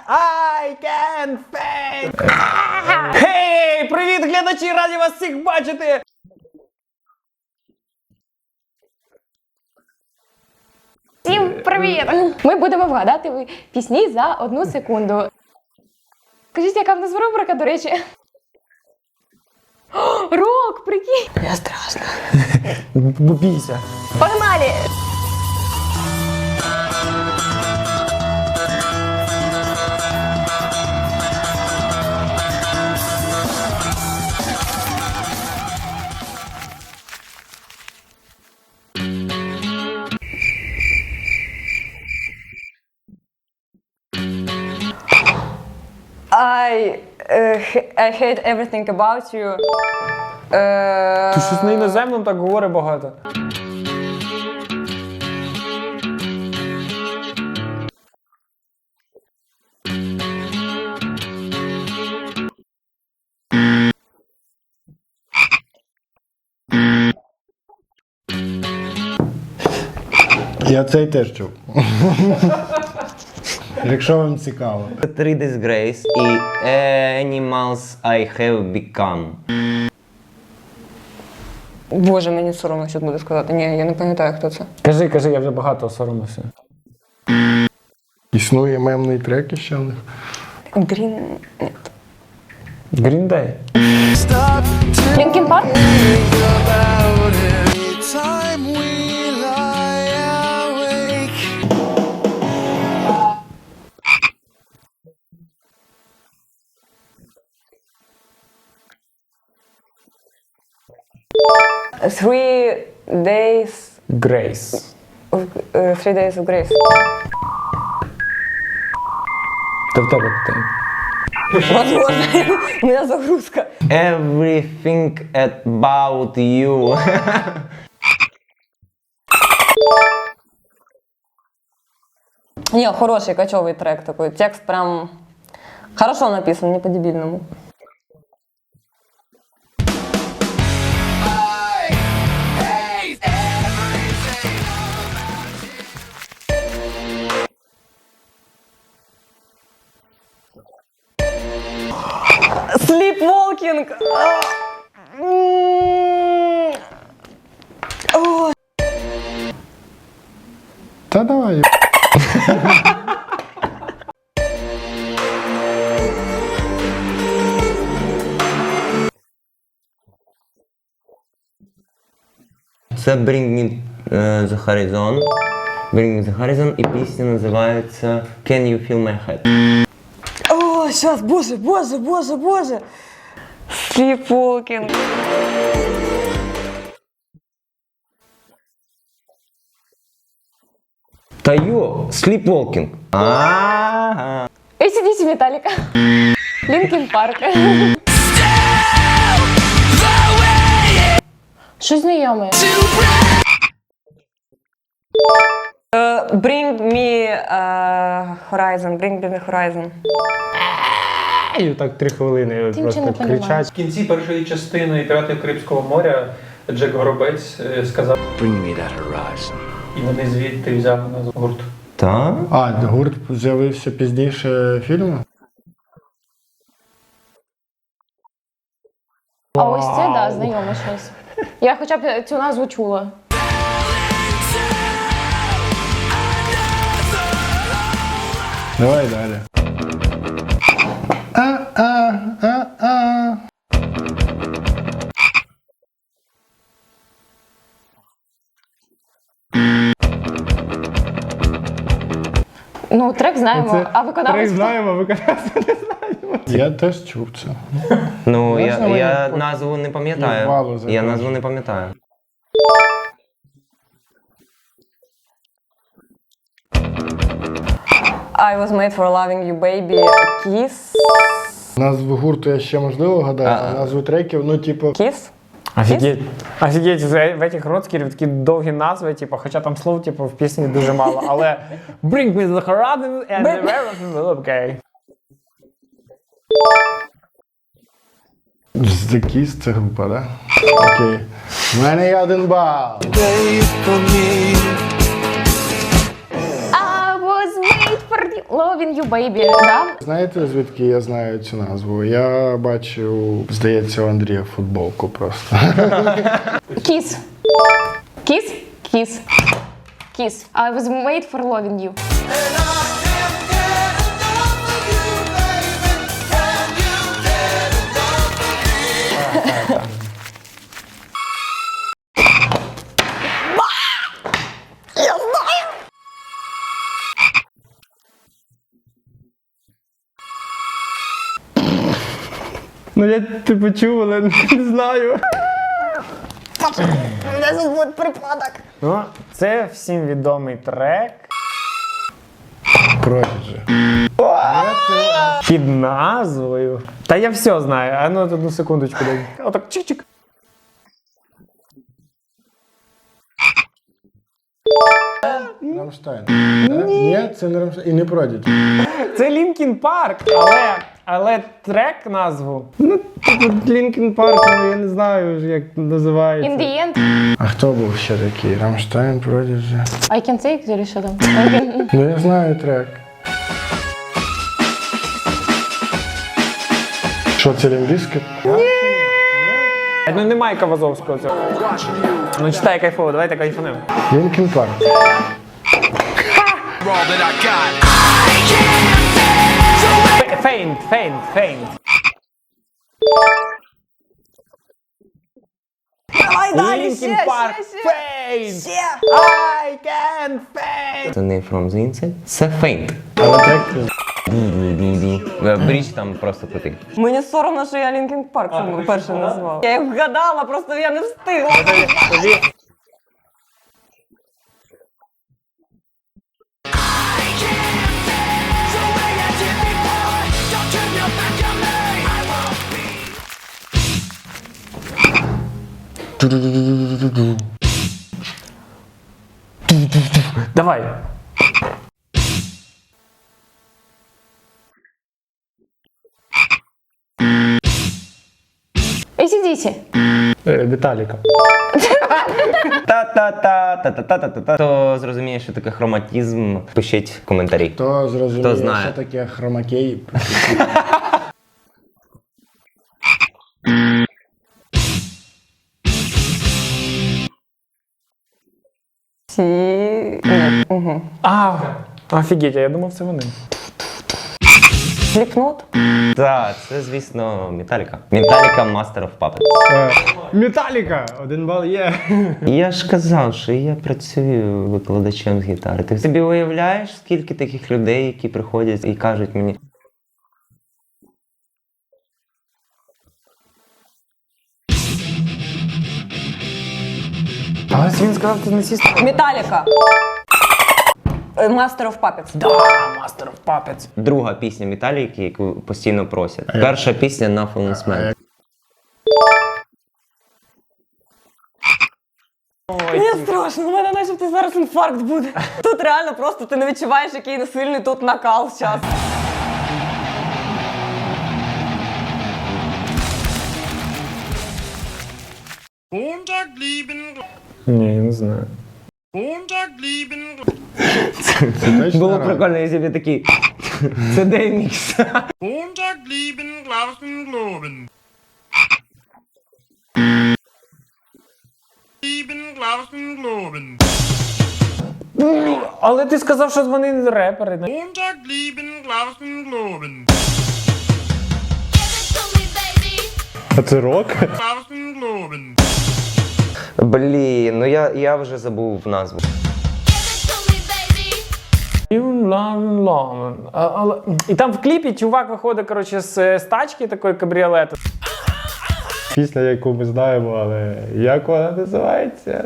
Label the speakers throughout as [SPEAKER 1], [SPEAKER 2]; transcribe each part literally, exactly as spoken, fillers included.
[SPEAKER 1] I can fake! Хей, привіт, глядачі! Раді вас всіх бачити!
[SPEAKER 2] Всім привіт! Ми будемо вгадати пісні за одну секунду. Скажіть, яка в нас рубрика, до речі? О, рок, прикинь!
[SPEAKER 1] Я страшно. Бійся.
[SPEAKER 2] Погнали! I, uh, I hate everything about you. Uh...
[SPEAKER 1] Ти щось на іноземному так говорить багато.
[SPEAKER 3] Я цей теж чув. Якщо вам цікаво.
[SPEAKER 4] Three Disgrace і Animals I Have Become.
[SPEAKER 2] Боже, мені соромно щось буде сказати. Ні, я не пам'ятаю, хто це.
[SPEAKER 1] Кажи, кажи, я вже багато соромився.
[SPEAKER 3] Існує мемний трек іще в них.
[SPEAKER 2] Green... Ні.
[SPEAKER 1] Green Day.
[SPEAKER 2] Linkin Park? Three days
[SPEAKER 1] Grace.
[SPEAKER 2] of, uh, three days of grace.
[SPEAKER 1] Та в тебе питання.
[SPEAKER 2] Возможно, у меня загрузка.
[SPEAKER 4] Everything About You.
[SPEAKER 2] Не, хороший кочевый трек такой. Текст прям хорошо написан, не по-дебильному. Sleepwalking.
[SPEAKER 3] Та давай.
[SPEAKER 4] Це Bring Me uh, The Horizon. Bring Me The Horizon і пісня називається Can You Feel My Head.
[SPEAKER 2] О, сейчас, боже, боже, боже, боже. Sleepwalking.
[SPEAKER 4] Та йо, Sleepwalking. Ага.
[SPEAKER 2] эй си ди си Металлика. Linkin Park. Що знайоме? Uh, bring me uh, Horizon, bring me the Horizon.
[SPEAKER 1] І так три хвилини
[SPEAKER 2] Ти
[SPEAKER 1] просто
[SPEAKER 2] нічого не
[SPEAKER 1] кричать.
[SPEAKER 5] В кінці першої частини «Піратів Карибського моря» Джек Горобець е, сказав
[SPEAKER 6] Bring me that horizon.
[SPEAKER 5] і вони звідти взяли назву гурт.
[SPEAKER 4] Та?
[SPEAKER 3] А, гурт з'явився пізніше фільму?
[SPEAKER 2] А ось це, да, знайоме щось. Я хоча б цю назву чула.
[SPEAKER 3] Давай далі. А, а, а, а.
[SPEAKER 2] Ну, трек знаємо,
[SPEAKER 3] Це
[SPEAKER 2] а виконавець?
[SPEAKER 1] Трек знаємо, виконавця не знаємо.
[SPEAKER 3] Я теж чув це.
[SPEAKER 4] Ну,
[SPEAKER 3] Можна
[SPEAKER 4] я,
[SPEAKER 3] мені
[SPEAKER 4] я
[SPEAKER 3] по-
[SPEAKER 4] назву не пам'ятаю.
[SPEAKER 3] Валу
[SPEAKER 4] Я
[SPEAKER 3] закажу?
[SPEAKER 4] назву не пам'ятаю.
[SPEAKER 2] I was made for loving you, baby. Kiss.
[SPEAKER 3] Назву гурту я ще можливо гадаю, а
[SPEAKER 4] А.
[SPEAKER 3] назву треків, ну, типу,
[SPEAKER 2] Kiss?
[SPEAKER 1] Офігеть. Офігеть, в в этих родскерів такі довгі назви, типу, хоча там слов типу, в пісні дуже мало, але Bring me the horizon and the everything will be okay.
[SPEAKER 3] The Kiss це група, да? Окей. У мене є один бал.
[SPEAKER 2] I was made for you. Loving You Baby, да?
[SPEAKER 3] Знаєте, звідки я знаю цю назву? Я бачив, здається, у Андрія футболку просто.
[SPEAKER 2] Kiss. Kiss? Kiss. Kiss. I was made for loving you.
[SPEAKER 1] Ну я типу чув, але не знаю.
[SPEAKER 2] Це буде припадок.
[SPEAKER 1] Ну, це всім відомий трек
[SPEAKER 3] Prodigy.
[SPEAKER 1] під назвою. Та я все знаю. А ну одну секундочку дай. Отак чик-чик.
[SPEAKER 3] Рамштайн. Ні, це не Рамштайн. І не Prodigy.
[SPEAKER 1] Це Лінкін Парк, але, але трек назву. Ну, типу Лінкін Парк, але я не знаю, як називається.
[SPEAKER 2] In the end,
[SPEAKER 3] А хто був ще такий? Рамштайн, Prodigy.
[SPEAKER 2] I can take, или що там? I can...
[SPEAKER 3] Ну я знаю трек. Що це Лімбіскет?
[SPEAKER 1] Ну немає Кавазовського цього. Ну читай кайфово, давайте кайфанемо.
[SPEAKER 3] Лінкін Парк.
[SPEAKER 1] Фейнт, фейнт, фейнт.
[SPEAKER 2] Давай далі,
[SPEAKER 1] Лінкін Парк, фейнт. I can faint.
[SPEAKER 4] Це не From the Inside. Це Faint.
[SPEAKER 3] Але трек
[SPEAKER 4] Бріч там просто крутий.
[SPEAKER 6] Мені соромно, що я Лінкін Парк саме перше назвав. Я їх вгадала, просто я не встигла.
[SPEAKER 1] Давай.
[SPEAKER 2] ей сі ді сі.
[SPEAKER 1] Віталіка.
[SPEAKER 4] Та-та-та-та-та-та-та-та. Хто зрозуміє, що таке хроматизм, пишіть в коментарі.
[SPEAKER 3] Хто зрозуміє,
[SPEAKER 4] Хто знає.
[SPEAKER 3] що таке хромакей?
[SPEAKER 6] Ці... Ні. Угу.
[SPEAKER 1] А, офігеть, я думав, це вони.
[SPEAKER 6] Сліпнот?
[SPEAKER 4] Так, це, звісно, Металіка. Металіка Master of Puppets.
[SPEAKER 1] Металіка! Один бал є.
[SPEAKER 4] Я ж казав, що я працюю викладачем з гітари. Ти собі уявляєш, скільки таких людей, які приходять і кажуть мені:
[SPEAKER 1] Але він сказав, ти не сісти.
[SPEAKER 6] Металіка. Е, Master of Puppets.
[SPEAKER 1] Да, Master of Puppets.
[SPEAKER 4] друга пісня Металіки, яку постійно просять. Перша пісня на Fallen Man.
[SPEAKER 6] Мені страшно, у мене начебто зараз інфаркт буде. Тут реально просто ти не відчуваєш, який сильний тут накал зараз.
[SPEAKER 1] Ні, я не знаю.
[SPEAKER 3] Це точно
[SPEAKER 4] Було
[SPEAKER 3] рак?
[SPEAKER 4] прикольно, якщо б я такий. Це демікс.
[SPEAKER 1] Але ти сказав, що вони репери.
[SPEAKER 3] А це рок?
[SPEAKER 4] Блін, ну я, я вже забув назву.
[SPEAKER 1] А, але... І там в кліпі чувак виходить, коротше, з, з тачки такої кабріолету.
[SPEAKER 7] Пісня, яку ми знаємо, але як вона називається?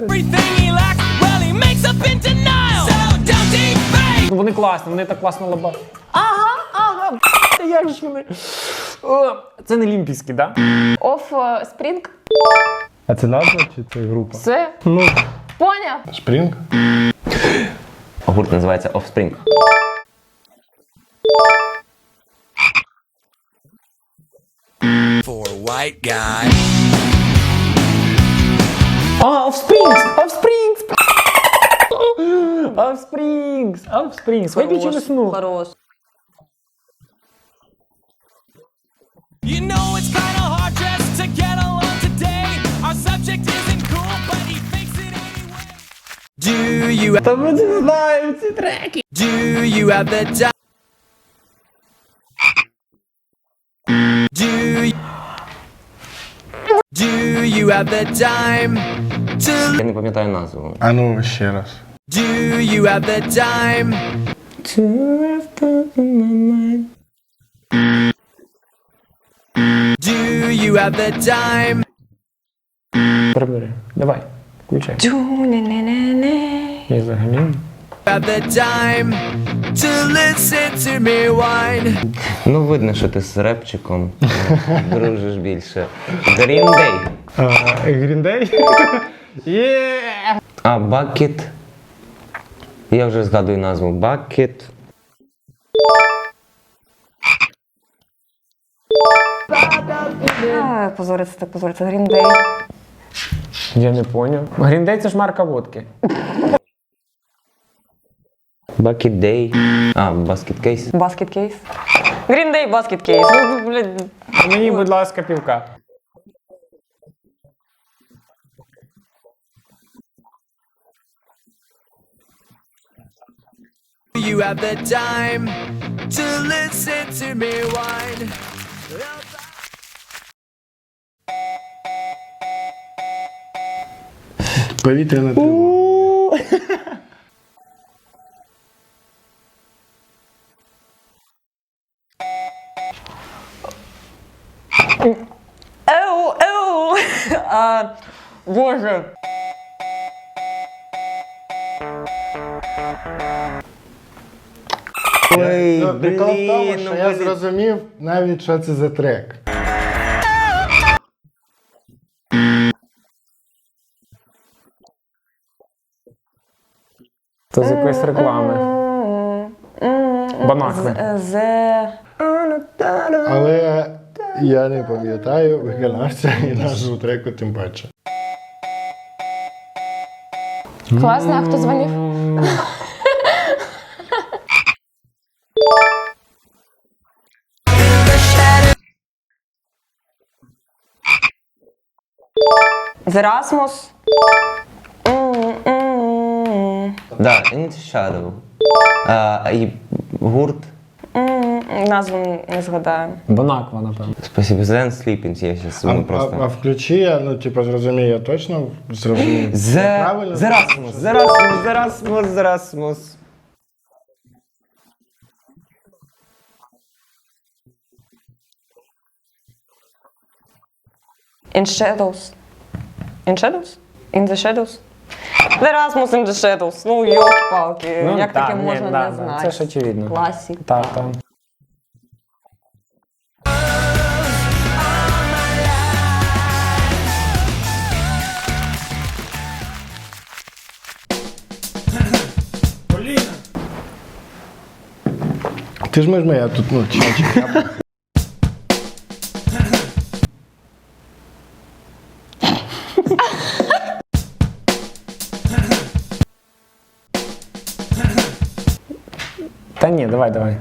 [SPEAKER 1] Ну, вони класні, вони так класно лабають. Ага, ага, як ж вони. О, це не олімпійські, так? Да?
[SPEAKER 2] Off Spring.
[SPEAKER 7] А це назва чи це група?
[SPEAKER 2] Це?
[SPEAKER 7] Ну,
[SPEAKER 2] Поняв?
[SPEAKER 3] Спрінг?
[SPEAKER 4] Гурт називається Offspring.
[SPEAKER 8] For a white guy.
[SPEAKER 1] А, Offsprings! Offsprings! Offsprings! Offsprings! Виключи весну.
[SPEAKER 6] Хорош.
[SPEAKER 1] Та ми не знаємо ці треки.
[SPEAKER 4] Я не пам'ятаю назву.
[SPEAKER 3] А ну ще раз.
[SPEAKER 1] Прибери. Давай, включай.
[SPEAKER 6] Дю-не-не-не-не.
[SPEAKER 1] Я взагалі.
[SPEAKER 4] Ну, видно, що ти з репчиком дружиш більше. Green Day.
[SPEAKER 7] Гріндей? Є!
[SPEAKER 4] А, Bucket. Я вже згадую назву. Bucket.
[SPEAKER 6] А, позориться так позориться. Green Day.
[SPEAKER 1] Я не поняв. Гріндей це ж марка водки.
[SPEAKER 4] Bucket Day. А, Basket Case.
[SPEAKER 6] Basket Case. Green Day, Basket Case. Ну, блядь.
[SPEAKER 1] А мені, будь ласка, півка.
[SPEAKER 3] Повітряна тривога.
[SPEAKER 6] Еу, еу. А, боже.
[SPEAKER 4] Ой,
[SPEAKER 3] Ну, прикол в тому,
[SPEAKER 4] блін,
[SPEAKER 3] що
[SPEAKER 4] ну
[SPEAKER 3] я
[SPEAKER 4] ви-
[SPEAKER 3] зрозумів навіть, що це за трек.
[SPEAKER 1] То з якоїсь реклами. Банакви.
[SPEAKER 6] З...
[SPEAKER 3] Але я не пам'ятаю виконавця і назву треку тим паче.
[SPEAKER 2] Класно, а хто дзвонив?
[SPEAKER 6] З Erasmus.
[SPEAKER 4] Да, In the Shadow. А, і гурт.
[SPEAKER 6] Назву не згадаю.
[SPEAKER 1] Банаква, напевно.
[SPEAKER 4] Спасибо. Zen Sleeping. Я зараз
[SPEAKER 3] А,
[SPEAKER 4] ну,
[SPEAKER 3] а,
[SPEAKER 4] просто...
[SPEAKER 3] а включи, я, ну, типу, зрозумію, я точно зрозумів.
[SPEAKER 4] Зе...
[SPEAKER 3] Правильно?
[SPEAKER 4] Зерасмус, Зерасмус, Зерасмус, Зерасмус.
[SPEAKER 6] In Shadows. In Shadows? In the Shadows? The Erasmus in the Shadows. Ну, йолки-палки. Як
[SPEAKER 1] так,
[SPEAKER 6] таке
[SPEAKER 1] ні,
[SPEAKER 6] можна
[SPEAKER 1] да,
[SPEAKER 6] не
[SPEAKER 1] да,
[SPEAKER 6] знати?
[SPEAKER 1] Це ж очевидно.
[SPEAKER 6] Класік.
[SPEAKER 1] Так, так.
[SPEAKER 3] Ти ж миш я тут, ну, чачик, я...
[SPEAKER 1] Та ні, давай, давай.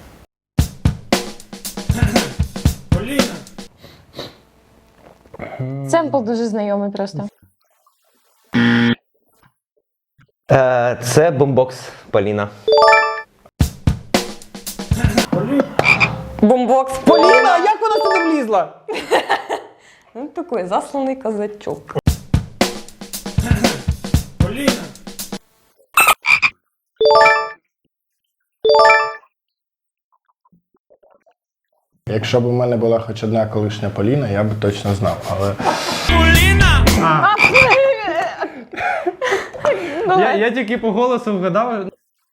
[SPEAKER 2] Семпл дуже знайомий просто.
[SPEAKER 4] Е, це бомбокс Поліна.
[SPEAKER 6] Бомбокс.
[SPEAKER 1] Поліна, як вона сюди влізла?
[SPEAKER 6] Ну, такий засланий козачок.
[SPEAKER 3] Якщо б у мене була хоч одна колишня Поліна, я б точно знав, але...
[SPEAKER 7] Я, я тільки по голосу вгадав.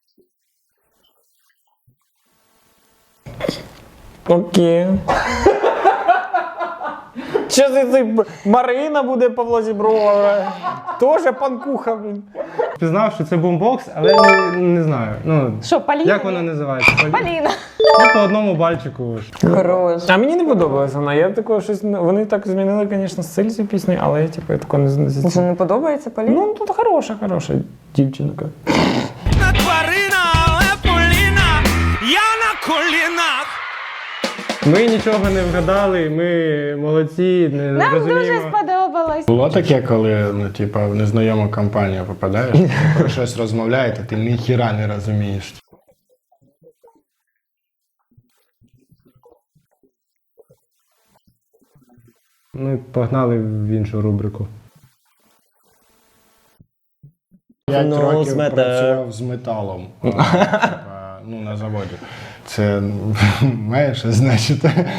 [SPEAKER 1] Окей. Що це цей Марина буде Павло Зіброва? Тоже панкуха, блін.
[SPEAKER 7] Пізнав, що це бомбокс, але не, не знаю. Ну,
[SPEAKER 2] Що, Поліна?
[SPEAKER 7] як вона називається? Полі-
[SPEAKER 2] Поліна.
[SPEAKER 7] Ну, по одному бальчику.
[SPEAKER 6] Хорош.
[SPEAKER 1] А мені не подобалася вона. Я такого щось. Вони так змінили, звісно, стиль цієї пісні, але я типу я такого не
[SPEAKER 6] Це
[SPEAKER 1] знаю.
[SPEAKER 6] не подобається Поліна?
[SPEAKER 1] Ну, тут хороша, хороша дівчинка.
[SPEAKER 8] Тварина, але Поліна, я на колінах.
[SPEAKER 7] Ми нічого не вгадали, ми молодці, не
[SPEAKER 2] Нам
[SPEAKER 7] розуміємо.
[SPEAKER 2] дуже сподобалось.
[SPEAKER 3] Було таке, коли ну, типа, в незнайому компанію попадаєш, про щось розмовляєте, ти ніхіра не розумієш.
[SPEAKER 7] Ми погнали в іншу рубрику.
[SPEAKER 3] П'ять
[SPEAKER 4] No
[SPEAKER 3] років
[SPEAKER 4] matter.
[SPEAKER 3] працював з металом а, типа, ну, на заводі. Це має щось значити.